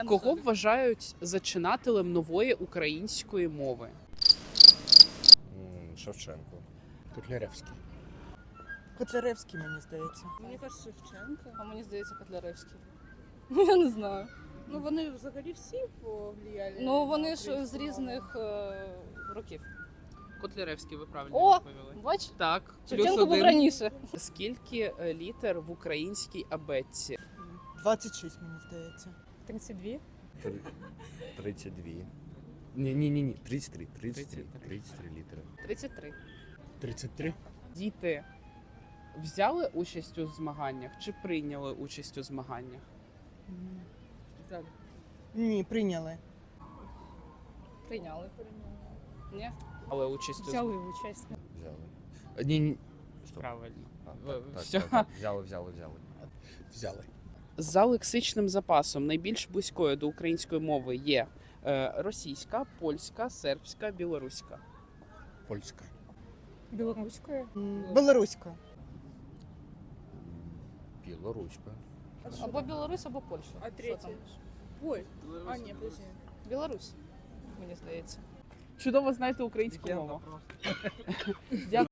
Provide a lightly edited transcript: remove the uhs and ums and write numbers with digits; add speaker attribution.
Speaker 1: Кого вважають зачинателем нової української мови?
Speaker 2: Шевченко.
Speaker 3: Котляревський.
Speaker 4: Котляревський, мені здається.
Speaker 5: Мені кажуть, Шевченко.
Speaker 6: А мені здається, Котляревський. Ну, я не знаю.
Speaker 5: Ну вони взагалі всі повлияли.
Speaker 6: Ну, вони
Speaker 5: на
Speaker 6: ж з
Speaker 5: українську мову.
Speaker 6: різних років.
Speaker 1: Котляревський, ви правильно
Speaker 6: О,
Speaker 1: відповіли.
Speaker 6: бач,
Speaker 1: Так, плюс
Speaker 6: Шевченко був
Speaker 1: один.
Speaker 6: раніше.
Speaker 1: Скільки літер в українській абетці?
Speaker 4: 26, мені здається.
Speaker 5: 32.
Speaker 2: 32. Ні. 33 літери.
Speaker 6: 33.
Speaker 3: 33.
Speaker 1: Діти взяли участь у змаганнях чи прийняли участь у змаганнях?
Speaker 4: Ні, прийняли.
Speaker 6: Прийняли. Ні?
Speaker 1: Але участь у
Speaker 5: Взяли участь.
Speaker 2: Взяли. Ні. Стоп.
Speaker 1: Правильно.
Speaker 2: Так,
Speaker 1: Всьо.
Speaker 2: так. Взяли.
Speaker 3: Взяли.
Speaker 1: За лексичним запасом найбільш близькою до української мови є російська, польська, сербська, білоруська.
Speaker 3: Польська.
Speaker 5: Білоруською.
Speaker 4: Білоруська.
Speaker 2: Білоруська.
Speaker 6: Або Білорусь, або Польща.
Speaker 5: А
Speaker 6: Що
Speaker 5: третє?
Speaker 6: там?
Speaker 5: Ой. А, ні, подожди.
Speaker 6: Білорусь, мені здається.
Speaker 1: Чудово знаєте українську мову. Дякую.